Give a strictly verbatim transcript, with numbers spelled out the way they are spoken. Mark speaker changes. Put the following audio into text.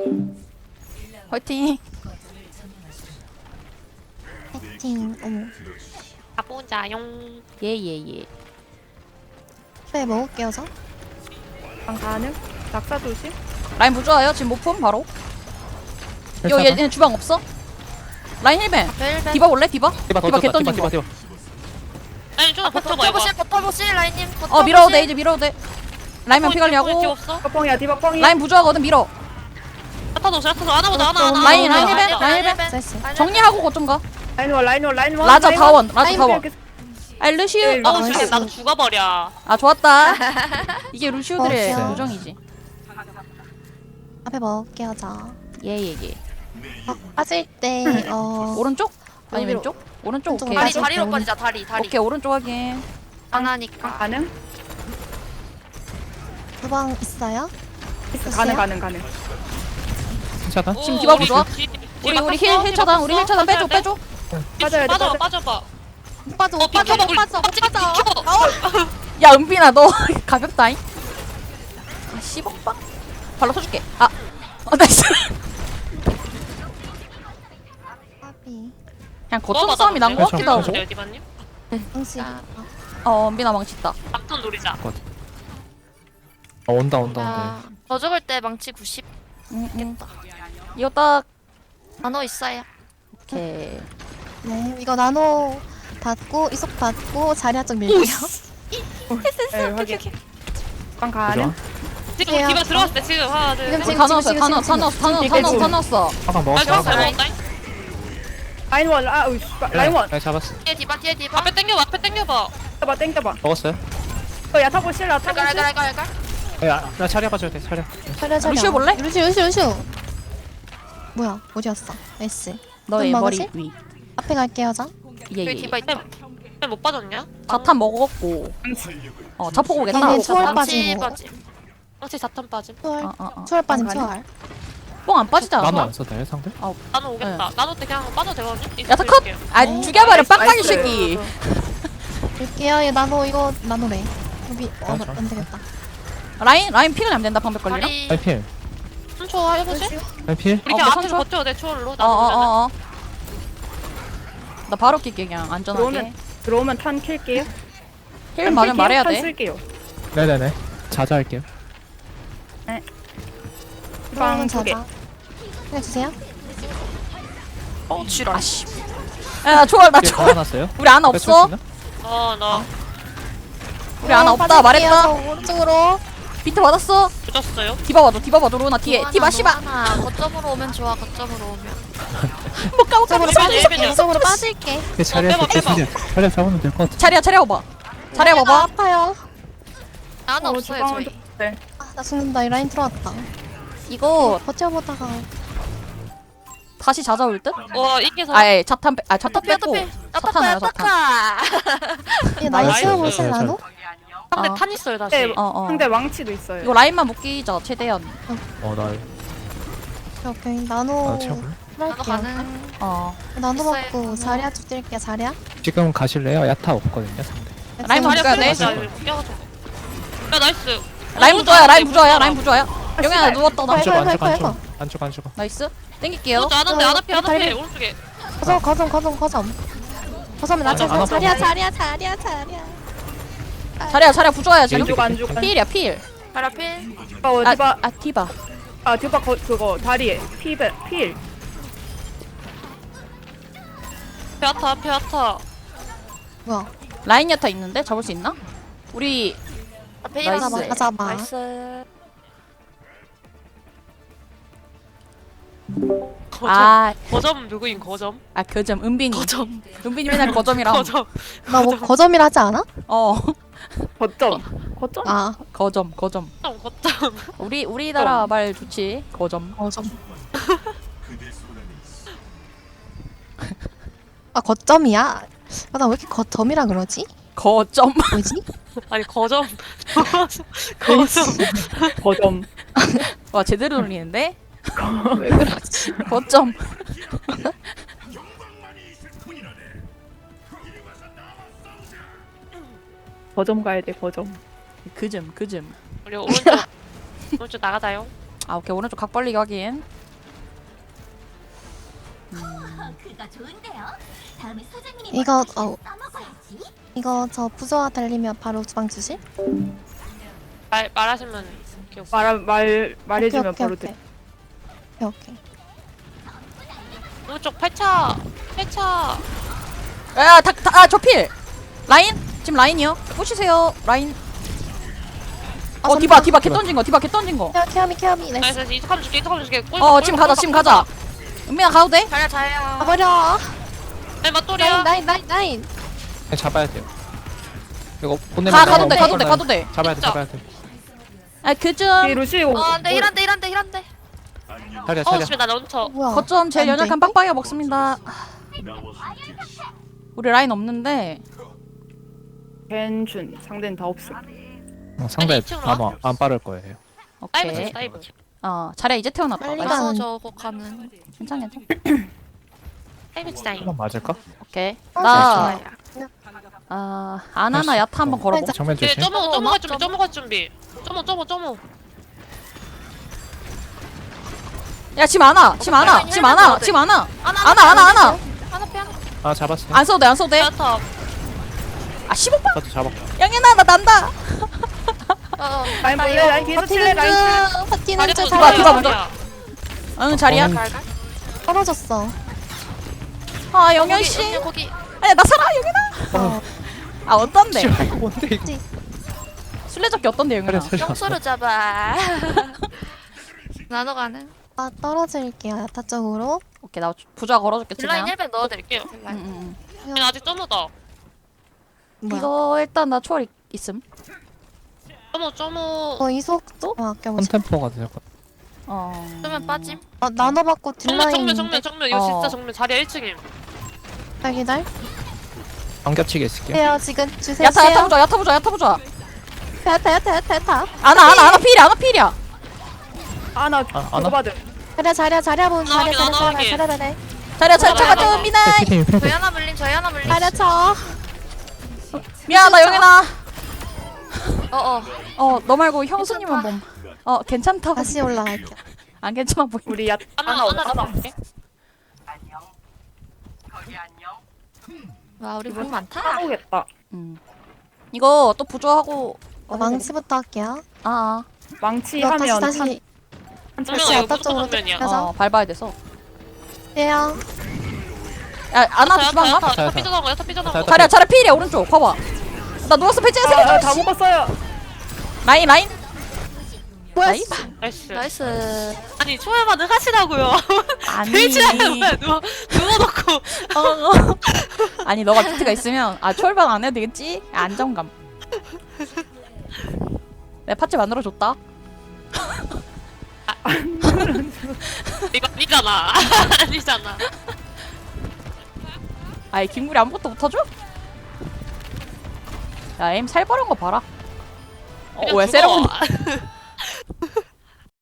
Speaker 1: 화이팅.
Speaker 2: 파이팅. 어머.
Speaker 3: 가보자용.
Speaker 1: 예예예.
Speaker 2: 네, 먹을게요, 저.
Speaker 4: 방 가능? 낙사 조심.
Speaker 1: 라인 부조화요. 지금 못품 바로. 요 얘, 얘 주방 없어? 라인 힐벤.
Speaker 2: 벨벳.
Speaker 1: 디바 올래? 디바?
Speaker 5: 디바 더
Speaker 1: 디바
Speaker 5: 떴다.
Speaker 1: 개
Speaker 5: 디바
Speaker 1: 던진
Speaker 5: 디바
Speaker 1: 거.
Speaker 5: 디바.
Speaker 3: 아니 좀 버텨봐 이거.
Speaker 2: 버텨보실, 버텨보실, 라인님.
Speaker 1: 어 밀어도 돼 이제 밀어도 돼. 라인만 피 관리하고.
Speaker 3: 없어?
Speaker 4: 디바펑이야 디바펑이야.
Speaker 1: 라인 부조화거든 밀어.
Speaker 3: 아타도 아타도 안 하보자 하나 하나.
Speaker 1: 라인, 라인
Speaker 3: 하나,
Speaker 1: 힐벤,
Speaker 3: 하나.
Speaker 1: 라인 힐벤. 정리하고 거좀 가.
Speaker 4: 라인 원 라인 원 라인 원.
Speaker 1: 라자
Speaker 4: 라인
Speaker 1: 다원. 라자
Speaker 4: 라인
Speaker 1: 다원.
Speaker 4: 이렇게
Speaker 1: 아 루시우.
Speaker 3: 어우
Speaker 2: 나이스.
Speaker 3: 죽겠 나도 죽어버려.
Speaker 1: 아 좋았다. 이게 루시우들의
Speaker 2: 어,
Speaker 1: 요정이지.
Speaker 2: 앞에 먹을게요, 저.
Speaker 1: 예예예.
Speaker 2: 어, 빠질 때, 어.
Speaker 1: 오른쪽? 아니
Speaker 2: 여기로.
Speaker 1: 왼쪽? 오른쪽
Speaker 2: 왼쪽
Speaker 1: 오케이.
Speaker 2: 다리,
Speaker 6: 다리로
Speaker 2: 오른-
Speaker 6: 빠지자 다리 다리
Speaker 1: 오케이 오른쪽 확인.
Speaker 6: 안
Speaker 4: 방
Speaker 6: 하니까
Speaker 4: 가능?
Speaker 2: 주방 있어요?
Speaker 4: 있어
Speaker 2: 있어요?
Speaker 4: 가능 가능 가능.
Speaker 5: 괜찮아?
Speaker 1: 지금 디바 부좋아? 우리 우리 힐 힐 차단. 우리 힐 차단 빼줘 빼줘.
Speaker 4: 빠져야 돼
Speaker 3: 빠져
Speaker 4: 빠져.
Speaker 3: 빠져봐.
Speaker 2: 못 빠져,
Speaker 3: 어
Speaker 2: 못 빠져,
Speaker 3: 비켜
Speaker 2: 못 빠져, 못 빠져.
Speaker 3: 비켜.
Speaker 1: 야 은빈아 너 가볍다잉. 아 십억 방? 발로 쳐줄게. 아. 어 나이스.
Speaker 2: 까비.
Speaker 1: 그냥 거점 싸움이 난 거 같기도 하고.
Speaker 3: 어디봤니?
Speaker 2: 당신.
Speaker 1: 어 은빈아 망쳤다.
Speaker 3: 막턴 노리자.
Speaker 5: 어, 온다 온다 온다.
Speaker 6: 아, 저 죽을 때 망치 구십
Speaker 1: 응, 응. 이거 딱
Speaker 6: 단어 있어요
Speaker 1: 오케이.
Speaker 2: 네, 이거 나노 받고, 이속 받고, 자리야 쪽 밀게요.
Speaker 4: 네 확인. 방
Speaker 5: 좋아.
Speaker 4: 가능?
Speaker 3: 지금
Speaker 2: 해요.
Speaker 3: 디바 들어왔을 때 지금 하나 둘.
Speaker 2: 지금,
Speaker 3: 셋.
Speaker 2: 지금,
Speaker 1: 다 넣었어
Speaker 2: 지금,
Speaker 1: 다
Speaker 2: 지금,
Speaker 1: 넣었어 다 넣었어 다 넣었어 다 넣었어 다 넣었어.
Speaker 5: 화강
Speaker 3: 아
Speaker 5: 먹었어.
Speaker 3: 들어왔어
Speaker 5: 화강.
Speaker 3: 먹었다.
Speaker 4: 라인 원 아, 으이, 라인 원.
Speaker 5: 라인 잡았어.
Speaker 6: 뒤에 디바 뒤에 디바
Speaker 3: 앞에 당겨봐 앞에 당겨봐.
Speaker 4: 땡겨봐 땡겨봐.
Speaker 5: 먹었어요.
Speaker 4: 어 야타 보실 야타
Speaker 6: 알갈
Speaker 4: 보실.
Speaker 6: 알갈 알갈 알갈
Speaker 5: 야, 나 차려 봐줘야 돼. 차려.
Speaker 2: 자리야, 자리야.
Speaker 1: 루시오 볼래?
Speaker 2: 루시오, 루시오, 루시오. 뭐야, 어디였어? 나이스.
Speaker 1: 너의
Speaker 2: 좀
Speaker 1: 머리
Speaker 2: 먹으실?
Speaker 1: 위.
Speaker 2: 앞에 갈게요, 저.
Speaker 6: 여기
Speaker 1: 예예.
Speaker 6: 디바 있다
Speaker 3: 못 빠졌냐?
Speaker 1: 자탄 먹었고. 어 자폭 오겠다.
Speaker 2: 얘네 초월
Speaker 6: 망치
Speaker 2: 빠지고.
Speaker 6: 빠짐
Speaker 3: 망치 자탄 빠짐.
Speaker 2: 초월.
Speaker 1: 어어어.
Speaker 2: 초월 빠짐,
Speaker 4: 가능?
Speaker 2: 초월.
Speaker 1: 뽕안 빠지지
Speaker 5: 나노
Speaker 1: 않아?
Speaker 5: 안 써도 상대?
Speaker 3: 나는 오겠다. 나도 때 그냥 빠져 되거든.
Speaker 1: 야타 컷. 아
Speaker 2: 네.
Speaker 1: 죽여버려 빡빡이
Speaker 4: 나이스.
Speaker 1: 새끼.
Speaker 2: 밀게요, 얘 나노, 이거, 나노래. 여기, 어,
Speaker 5: 자, 자.
Speaker 2: 안 되겠다.
Speaker 1: 라인 라인 피가 안 된다 방벽 걸리나?
Speaker 6: 다리
Speaker 5: 라인 필.
Speaker 3: 삼 초 해보실?
Speaker 5: 라인 필.
Speaker 3: 우리
Speaker 1: 어,
Speaker 3: 그냥
Speaker 1: 뭐
Speaker 3: 앞에서
Speaker 1: 삼 초?
Speaker 3: 버텨도 돼 초월로. 나도
Speaker 1: 어어어어. 나 바로 낄게 그냥 안전하게.
Speaker 4: 들어오면 들어오면 탄 킬게요.
Speaker 1: 힐 맞으면 말해야
Speaker 4: 탄
Speaker 1: 돼.
Speaker 4: 쓸게요.
Speaker 5: 네네네. 자자할게요.
Speaker 2: 그러면
Speaker 4: 두 개.
Speaker 2: 자자. 그냥 주세요.
Speaker 1: 어 지랄 씨. 야나 초월 나
Speaker 5: 뒤에
Speaker 1: 초월.
Speaker 5: 걸어놨어요.
Speaker 1: 우리 아나 없어?
Speaker 3: 어나
Speaker 1: 우리 아나
Speaker 2: 어,
Speaker 1: 없다
Speaker 2: 빠질게요,
Speaker 1: 말했다.
Speaker 2: 저 오른쪽으로.
Speaker 1: 비트 받았어.
Speaker 3: 늦었어요.
Speaker 1: 디바 봐줘 디바 봐줘 로나 뒤에. 디바 씨바.
Speaker 6: 하나 거점으로 오면 좋아 거점으로 오면
Speaker 1: 못 가고 가고.
Speaker 2: 쪽으로
Speaker 3: 일벤이야,
Speaker 2: 빠질게.
Speaker 3: 일벤이야.
Speaker 2: 쪽으로 빠질게.
Speaker 5: 그 자리에서
Speaker 3: 빼봐, 빼봐.
Speaker 5: 계속 자리에 잡으면 될 것 같아.
Speaker 1: 자리야 자리야 봐봐. 자리야
Speaker 2: 나
Speaker 1: 봐봐.
Speaker 2: 아파요.
Speaker 6: 하나
Speaker 4: 어,
Speaker 6: 없어요
Speaker 4: 주방은
Speaker 6: 저희
Speaker 4: 좀- 네.
Speaker 2: 아, 나 죽는다. 이 라인 들어왔다.
Speaker 1: 이거
Speaker 2: 버텨보다가.
Speaker 1: 다시 찾아올 듯?
Speaker 3: 와 이게서
Speaker 1: 아예 자탄 빼, 아 자탄
Speaker 6: 어떡해
Speaker 1: 뺐고
Speaker 6: 어떡해
Speaker 1: 자탄이야 자탄.
Speaker 2: 얘
Speaker 1: 나이스.
Speaker 2: 나이스 보실
Speaker 5: 나이스.
Speaker 2: 나노?
Speaker 3: 상대
Speaker 1: 어.
Speaker 3: 탄 있어요 다시.
Speaker 4: 네,
Speaker 1: 어, 어.
Speaker 4: 상대 왕치도 있어요.
Speaker 1: 이거 라인만 묶이자 최대한.
Speaker 5: 어, 나
Speaker 2: 오케이. 나노.
Speaker 5: 나 채워볼래?
Speaker 6: 나도
Speaker 2: 할게요.
Speaker 6: 가는
Speaker 1: 어
Speaker 2: 나노
Speaker 6: 있어요.
Speaker 2: 먹고 자리야 쪽 뛸게요. 자리야.
Speaker 5: 지금 가실래요? 야타 없거든요, 상대.
Speaker 1: 라인
Speaker 2: 지금
Speaker 1: 묶여야 돼.
Speaker 3: 자리야 껴가지고. 야 나이스.
Speaker 1: 라인 부조야 라인 부조야 라인 부조야.
Speaker 4: 아,
Speaker 1: 영현아
Speaker 4: 씨발.
Speaker 1: 누웠다 나.
Speaker 5: 안 죽어, 안
Speaker 2: 해봐,
Speaker 5: 죽어, 안
Speaker 2: 해봐,
Speaker 5: 죽어. 안 죽어, 안 죽어.
Speaker 1: 나이스. 땡길게요.
Speaker 3: 어, 안 한대 안 앞에 안 앞에
Speaker 2: 다리.
Speaker 3: 오른쪽에.
Speaker 2: 거점 거점 거점 거점. 거점에
Speaker 5: 안
Speaker 2: 낮춰서
Speaker 5: 아파.
Speaker 2: 자리야 자리야 자리야 자리야.
Speaker 1: 자리야 자리야 부조야 지금.
Speaker 4: 안 죽어 안 죽어.
Speaker 1: 필이야 필.
Speaker 6: 파라필
Speaker 4: 어
Speaker 1: 아,
Speaker 4: 디바
Speaker 1: 아 디바.
Speaker 4: 아 디바 거, 그거 다리에 피벨 필.
Speaker 3: 페아타 페아타.
Speaker 2: 뭐야?
Speaker 1: 라인 야타 있는데 잡을 수 있나? 우리
Speaker 6: 앞에
Speaker 1: 나이스.
Speaker 6: 일어나봐
Speaker 2: 다 잡아.
Speaker 6: 나이스
Speaker 3: 거점.
Speaker 1: 아,
Speaker 3: 거점 누구인 거점?
Speaker 1: 아 거점 은빈이.
Speaker 3: 거점.
Speaker 1: 은빈이 맨날 거점이랑.
Speaker 3: 거점.
Speaker 2: 나 뭐 거점이라 하지 않아?
Speaker 1: 어
Speaker 4: 거점. 거점?
Speaker 2: 아
Speaker 1: 거점 거점.
Speaker 3: 거점.
Speaker 1: 우리 우리나라 말 좋지. 거점.
Speaker 2: 거점. 아 거점이야? 아, 나 왜 이렇게 거점이라 그러지?
Speaker 1: 거점.
Speaker 2: 뭐지?
Speaker 3: 아니 거점. 거점.
Speaker 4: 거점.
Speaker 1: 와 제대로 돌리는데.
Speaker 2: 왜 그러지?
Speaker 1: 거점.
Speaker 4: 거점 가야 돼 거점.
Speaker 1: 그점 그점.
Speaker 3: 우리 오른쪽. 오른쪽 나가자요.
Speaker 1: 아 오케이 오른쪽 각 벌리기 확인.
Speaker 2: 이거 어 이거 저 부조화 달리면 바로 주방 주실?
Speaker 3: 말 말하시면 기억.
Speaker 4: 말, 말, 말해주면
Speaker 2: 오케이,
Speaker 4: 바로
Speaker 2: 오케이,
Speaker 4: 돼.
Speaker 2: 오케이 오케이.
Speaker 3: 오른쪽 팔차 팔차.
Speaker 1: 야다아저 필. 라인 지금 라인이요. 꼬시세요 라인.
Speaker 2: 아,
Speaker 1: 어 디바
Speaker 2: 잠시만.
Speaker 1: 디바 개 던진 거 디바 개 던진 거.
Speaker 2: 케어 케어미 케어미 나이스.
Speaker 3: 나이스 이쪽하면 줄게 이쪽하면 줄게. 꿀,
Speaker 1: 어
Speaker 3: 꿀,
Speaker 1: 지금
Speaker 3: 꿀,
Speaker 1: 가자
Speaker 3: 꿀,
Speaker 1: 지금
Speaker 3: 꿀,
Speaker 1: 가자.
Speaker 3: 꿀.
Speaker 1: 은민아 가도 돼?
Speaker 6: 자리야 자리야.
Speaker 2: 가버려.
Speaker 3: 네 맞돌이야.
Speaker 2: 나인 나인 나인 나인.
Speaker 5: 그냥 잡아야 돼요. 이거 보내면
Speaker 1: 가
Speaker 5: 너무
Speaker 1: 가도 돼 가도 돼
Speaker 5: 엄청나요.
Speaker 1: 가도 돼.
Speaker 5: 잡아야 돼
Speaker 3: 진짜.
Speaker 5: 잡아야 돼.
Speaker 1: 아 그좀
Speaker 4: 이 루시오.
Speaker 6: 어 안돼 힐한데 힐한데 힐한데.
Speaker 5: 차려
Speaker 3: 어
Speaker 5: 차려.
Speaker 3: 집에 나 런처.
Speaker 2: 뭐야?
Speaker 1: 거점 제일
Speaker 2: 안 돼.
Speaker 1: 연약한 빡빡이가 먹습니다. 우리 라인 없는데.
Speaker 4: 괜춘. 상대는 다 없음.
Speaker 5: 어, 상대
Speaker 3: 아니, 이쪽으로
Speaker 5: 아마 안 빠를 거예요.
Speaker 3: 다이브
Speaker 1: 오케이.
Speaker 3: 쳐 다이브.
Speaker 1: 어 자리야 이제 태어났다.
Speaker 2: 빨리
Speaker 1: 나이스.
Speaker 2: 가.
Speaker 6: 어 저거 가는.
Speaker 1: 괜찮아 괜찮아.
Speaker 3: 다이브 치다이.
Speaker 5: 한번 맞을까?
Speaker 1: 오케이.
Speaker 2: 어,
Speaker 1: 나
Speaker 2: 좋아요.
Speaker 1: 아, 아나나 야타 한번 걸어보.
Speaker 5: 정면
Speaker 3: 네
Speaker 5: 조심.
Speaker 3: 점호
Speaker 6: 어,
Speaker 3: 점호 갈 준비
Speaker 6: 점호.
Speaker 3: 점호 갈 준비. 점호 점호 점호.
Speaker 1: 야 지금 안아 지금 안아
Speaker 6: 헬멧
Speaker 1: 지금 안아
Speaker 6: 넣어도 돼.
Speaker 1: 지금 안아
Speaker 6: 하나
Speaker 1: 안아 안아 안아
Speaker 6: 하나 빼 하나.
Speaker 5: 아 잡았어.
Speaker 1: 안 써도 돼안 써도 돼.
Speaker 3: 야타.
Speaker 1: 아 십오 번
Speaker 5: 나도 잡았고.
Speaker 1: 양현아 나 난다.
Speaker 6: 어어.
Speaker 4: 라인 볼래? 라인 뒤에서 칠래? 라인 칠래?
Speaker 2: 버티는 중 버티는 중
Speaker 3: 디바,
Speaker 1: 디바,
Speaker 2: 잘
Speaker 1: 디바 먼저. 응 자리야.
Speaker 5: 음.
Speaker 2: 떨어졌어.
Speaker 1: 아 영현 씨.
Speaker 6: 거기, 거기.
Speaker 1: 아니 나 살아 영현아.
Speaker 2: 어.
Speaker 1: 아 어떤데?
Speaker 5: 씨발 이거 뭔데 이거.
Speaker 1: 술래잡기 어떤데 영현아?
Speaker 5: 차려 차려.
Speaker 6: 영수로 잡아. 나눠 가는.
Speaker 2: 아 떨어질게요 야타 쪽으로.
Speaker 1: 오케이 나 부자 걸어줄게
Speaker 6: 딜라인
Speaker 1: 그냥.
Speaker 6: 힐백 넣어드릴게요.
Speaker 1: 응,
Speaker 6: 딜라인.
Speaker 1: 응,
Speaker 3: 얘는 아직 점호다.
Speaker 1: 응.
Speaker 2: 뭐야?
Speaker 1: 이거 일단 나 초월 있- 있음.
Speaker 3: 점호 점호.
Speaker 2: 어 이속도? 어 아껴보자.
Speaker 5: 컨템포가 될 것.
Speaker 1: 어.
Speaker 6: 그러면 빠짐.
Speaker 2: 어 나눠받고
Speaker 3: 정면
Speaker 2: 딜라인.
Speaker 3: 정면 정면 정면 이거
Speaker 1: 어.
Speaker 3: 진짜 정면 자리야 일 층임.
Speaker 2: 기다려.
Speaker 5: 안 겹치게 있을게.
Speaker 2: 해요 지금 주세요.
Speaker 1: 야타 야타 부자 야타 부자 야타 부자.
Speaker 2: 야타 야타 야타 야타.
Speaker 1: 아나 아나 아나 필이야 아나 필이야.
Speaker 4: 아, 나
Speaker 5: 아,
Speaker 4: 그거
Speaker 5: 안 와?
Speaker 4: 받음.
Speaker 2: 자리야 자리야 자리야 본 자리야
Speaker 3: 나오게,
Speaker 2: 자리야
Speaker 3: 나오게.
Speaker 2: 자리야 자리야
Speaker 1: 자리야 차 차가
Speaker 3: 나가,
Speaker 1: 좀 미나.
Speaker 5: 피팀 피팀.
Speaker 6: 저희 하나 물림 저희 하나 물림.
Speaker 2: 자리야 쳐.
Speaker 1: 미안하다 영현아.
Speaker 6: 어어.
Speaker 1: 어 너 말고 형수님은 봄. 어 괜찮다고.
Speaker 2: 다시 올라갈게요.
Speaker 1: 안 괜찮아 보이.
Speaker 4: 우리 야,
Speaker 3: 하나
Speaker 4: 하나
Speaker 3: 하나
Speaker 4: 하나.
Speaker 3: 잡아볼게.
Speaker 6: 와 우리 물 많다.
Speaker 4: 하고겠다.
Speaker 1: 음. 이거 또 부조하고.
Speaker 2: 어, 망치부터 할게요.
Speaker 1: 아.
Speaker 4: 망치
Speaker 2: 이거 다시
Speaker 4: 하면
Speaker 2: 다시
Speaker 4: 한,
Speaker 3: 정면아
Speaker 2: 다시
Speaker 3: 이거
Speaker 2: 야타
Speaker 3: 무조건
Speaker 2: 쪽으로
Speaker 3: 정면이야.
Speaker 2: 가자.
Speaker 1: 어 밟아야 돼서.
Speaker 2: 해요.
Speaker 1: 야 아나
Speaker 3: 야타
Speaker 1: 주방
Speaker 3: 야타
Speaker 1: 가.
Speaker 3: 야타 삐져나온 거 야타 삐져나온 거.
Speaker 5: 야타,
Speaker 1: 자리야 자리야 필이야 오른쪽 봐봐. 나 누웠어 배치해
Speaker 4: 아, 아, 다
Speaker 1: 세개.
Speaker 4: 먹었어요.
Speaker 1: 라인 라인.
Speaker 2: 뭐야?
Speaker 1: 나이스.
Speaker 3: 나이스.
Speaker 6: 나이스.
Speaker 3: 아니 초월만은 하시라고요.
Speaker 1: 아니.
Speaker 3: 베이지라는 왜 누워 누워놓고.
Speaker 1: 어, 어. 아니 너가 비트가 있으면 아 초월방 안 해도 되겠지? 안정감. 내 파츠 만들어 줬다.
Speaker 3: 이거 아니잖아. 아니잖아.
Speaker 1: 아이 김구리 아무것도 못하죠? 야 에임 살벌한 거 봐라. 어
Speaker 3: 그냥
Speaker 1: 왜
Speaker 3: 죽어.
Speaker 1: 세레모니